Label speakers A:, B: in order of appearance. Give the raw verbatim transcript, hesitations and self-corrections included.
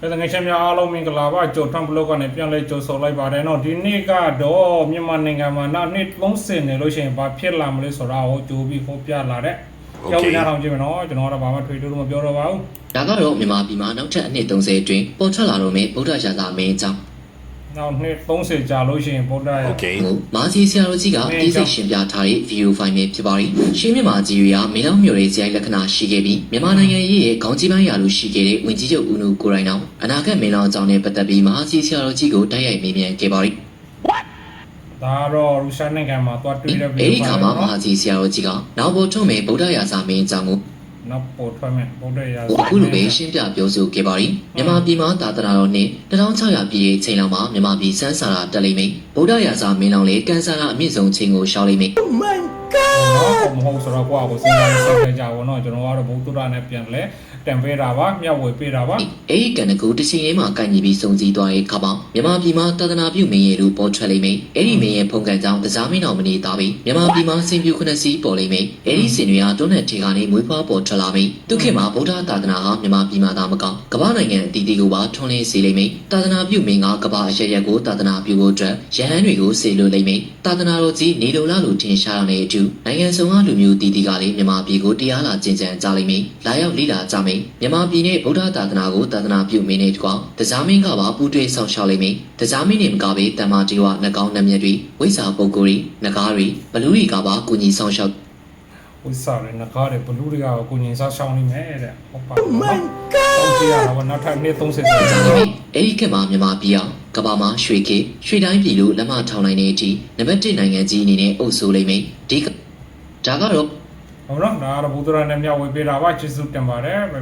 A: ဲ့ငါချင်းများအားလုံးမင်္ဂလာပါကြိုထမ်ဘလော့ကနေပြန်လဲကြိုဆိုလိုက်ပါတယ်နော်ဒီနေ့ကတော့မြန်မာနိုင်ငံမှာနောက်နှစ်သုံးဆယ်နေလို့ရှိရင်ဘာဖြစ်လာမလဲဆိုတာကိုကြိုပြီးဖော်ပြလာတဲ့ကြောက်ရအောင်ကြည့်မယ်နော်ကျွန်တော်ကတော့ဘာမှထွေထူးလို့မပြောတော့ပါဘူး
B: ဒါကတော့မြန်မာပြည်မှာနောက်ထပ်အနှစ်သုံးဆယ်အတွင်းပေါ်ထွက်လာတော့မယ့်ဗုဒ္ဓရာဇာမင်းကြောင့်
A: နောက်နှစ်သုံးဆယ်ကြာလို့ရှိရင်ဗုဒ္ဓရာ
B: မာစီဆရာတော်ကြီးကအေးစိတ်ရှင်ပြထားတဲ့ဗီဒီယိုဖိုင်ပဲဖြစ်ပါရီရှင်းမြန်မာကြီးတွေကမင်းတော်မျိုးရဲ့ဇယိုင်လက္ခဏာရှိခဲ့ပြီးမြန်မာနိုင်ငံရဲ့ခေါင်းကြီးပိုင်းရာလိုရှိခဲ့တဲ့ဝင်ကြီးချုပ်ဦးနုကိုရိုင်းအောင်အနာဂတ်မင်းတော်အကြောင်းနဲ့ပတ်သက်ပြီးမာစီဆရာတော်ကြီးကိုတိုက်ရိုက်မေးမြန်းခဲ့ပါရီ
A: ဒါတော့ရုရှားနိုင်ငံမှာသွားတွေ့တဲ့ဗီဒီယိုဖိုင်
B: အဲဒီခါမှာမာစီဆရာတော်ကြီးကနောက်ပေါ်ထုတ်မဲ့ဗုဒ္ဓရာဇာမင်းအကြောင်းကို
A: နောက်ပေါ်ထွက်မဲ့ဗုဒ္ဓရာဇာ
B: အခုလိုပဲရှင်းပြပြောဆိုခဲ့ပါရီမြန်မာပြည်မှာသာသနာတော်နှစ်တစ်ထောင်ခြောက်ရာပြည့်ချိန်လောက်မှာမြန်မာပြည်စန်းစာရာတက်လိမ့်မယ်ဗုဒ္ဓရာဇာမင်းလောင်လေကန်ဆာရာအမြင့်ဆုံးချိန်ကိုရှောက်လိမ့်မယ်
A: Oh my god မဟုတ်ဆိုတော့ကိုယ့်အကိုစဉ်းစားဆက်ကြပါတော့ကျွန်တော်ကတော့ဗုဒ္ဓရာနဲ့ပြန်လဲတံပေးတာပါမျှဝေပေးတာပါ
B: အဲဒီကံကူတစ်ချိန်ရေးမှာကန့်ညီပြီးစုံစည်းသွားတဲ့ခါမှာမြန်မာပြည်မှာသာသနာပြုမင်းရဲ့လူပေါ်ထွက်လိမ့်မယ်အဲဒီမင်းရဲ့ဖုန်ကန်ကြောင့်တစားမင်းတော်မနေသားပြီးမြန်မာပြည်မှာစင်ပြူခဏစီပေါ်လိမ့်မယ်အဲဒီစင်တွေကတွန်းတဲ့ထေကနေမွေးဖွားပေါ်ထွက်လာပြီးသူခေတ်မှာဗုဒ္ဓသာသနာဟာမြန်မာပြည်မှာသာမကကမ္ဘာနိုင်ငံအသီးသီးကိုပါထွန်းလင်းစေလိမ့်မယ်သာသနာပြုမင်းကကမ္ဘာအရရက်ကိုသာသနာပြုဖို့အတွက်ရဟန်းတွေကိုစေလွှတ်လိမ့်မယ်သာသနာတော်ကြီးနေလိုလားလို့ထင်ရှားရတဲ့အထူးနိုင်ငံစုံကလူမျိုးတည်တည်ကလည်းမြန်မာပြည်ကိုတရားလာကျင့်ကြံကြလိမ့်မယ်လာရောက်လိလာကြမယ်မြန်မာပြည်နဲ့ဗုဒ္ဓသာသနာကိုသာသနာပြုမင်းနဲ့တကွာတစားမင်းကပါပူးတွဲဆောင်ရှောက်လိမ့်မယ်တစားမင်းနဲ့မကပဲတမ္မာတီဝနှကောင်းနှမျက်တွေဝိဇ္ဇာပုဂ္ဂိုလ်တွေနဂါးတွေဘလူတွေကပါကုညီဆောင်ရှောက်
A: ဝိဇ္ဇာတွေနဂါးတွေဘလူတွေကကုညီဆောင်ရှောက်နေမယ်တဲ့ဟုတ်ပါ Oh my god တော့ကြည့်ရတော့နောက်ထပ်နှစ်သုံးဆယ်ကြာ
B: ပြီအဲ့ဒီခေတ်မှာမြန်မာပြည်အောင်ကဘာမှာရွှေခေတ်ရွှေတိုင်းပြည်လို့လက်မထောင်နိုင်တဲ့အထိနံပါတ်တစ်နိုင်ငံကြီးအနေနဲ့အုပ်စိုးလိမ့်မယ်ဒီဒါကတော့
A: ဟုတ်တော့ဒါကတော့ဘုဒ္ဓရာနဲ့မျှဝေပေးတာပါကျေးဇူးတင်ပါတယ်